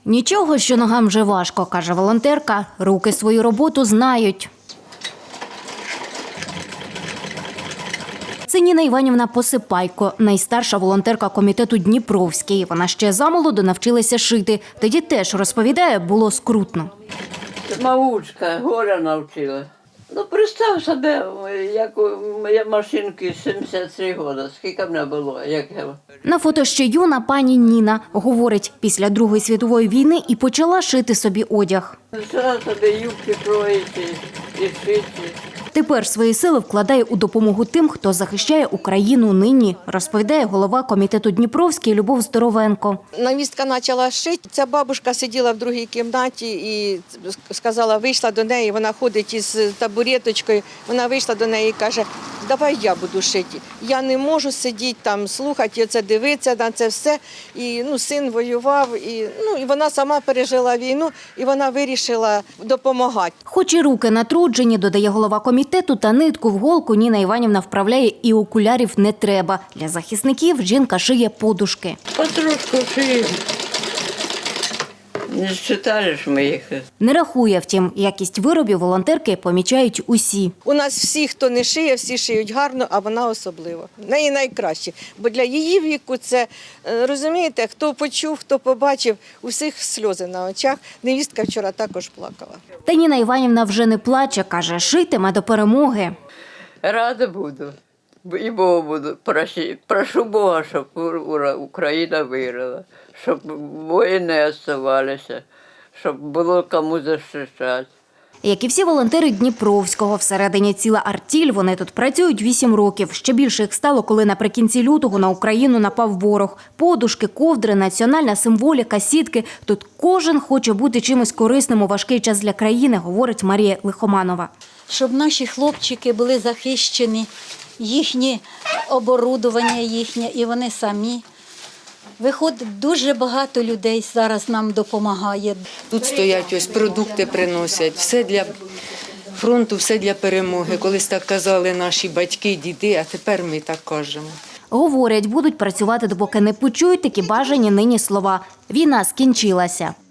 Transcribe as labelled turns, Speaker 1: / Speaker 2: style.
Speaker 1: Нічого, що ногам вже важко, каже волонтерка, руки свою роботу знають. Це Ніна Іванівна Посипайко, найстарша волонтерка комітету Дніпровський. Вона ще замолоду навчилася шити. Тоді теж, розповідає, було скрутно.
Speaker 2: Мавучка, горя навчила. Ну, представ себе, як моя машинки 73 роки. Скільки мене було, як я...
Speaker 1: На фото ще юна пані Ніна. Говорить, після Другої світової війни і почала шити собі одяг.
Speaker 2: Почала собі юбки кроїти і шити.
Speaker 1: Тепер свої сили вкладає у допомогу тим, хто захищає Україну нині, розповідає голова комітету Дніпровський Любов Здоровенко.
Speaker 3: Невістка почала шити. Ця бабушка сиділа в другій кімнаті і сказала, вийшла до неї, вона ходить із табуреточкою, вона вийшла до неї і каже, давай я буду шити. Я не можу сидіти там, слухати, це дивитися на це все. І син воював, і вона сама пережила війну, і вона вирішила допомагати.
Speaker 1: Хоч і руки натруджені, додає голова комітету, та нитку в голку Ніна Іванівна вправляє і окулярів не треба. Для захисників жінка шиє подушки.
Speaker 2: Потрошку шиє. Не считаєш ми їх.
Speaker 1: Не рахує, втім, якість виробів волонтерки помічають усі.
Speaker 3: У нас всі, хто не шиє, всі шиють гарно, а вона особливо. В неї найкраще. Бо для її віку це, розумієте, хто почув, хто побачив, у всіх сльози на очах. Невістка вчора також плакала.
Speaker 1: Та Ніна Іванівна вже не плаче, каже, шитиме до перемоги.
Speaker 2: Рада буду. І Богу буду. Прошу Бога, щоб Україна виграла, щоб воїни залишилися, щоб було кому захищати.
Speaker 1: Як і всі волонтери Дніпровського, всередині ціла артіль, вони тут працюють 8 років. Ще більше їх стало, коли наприкінці лютого на Україну напав ворог. Подушки, ковдри, національна символіка, сітки. Тут кожен хоче бути чимось корисним у важкий час для країни, говорить Марія Лихоманова.
Speaker 4: Щоб наші хлопчики були захищені, їхнє оборудовання їхнє, і вони самі. Виходить, дуже багато людей зараз нам допомагає.
Speaker 5: Тут стоять, ось продукти приносять, все для фронту, все для перемоги. Колись так казали наші батьки, діди, а тепер ми так кажемо.
Speaker 1: Говорять, будуть працювати, допоки не почують такі бажані нині слова. Війна скінчилася.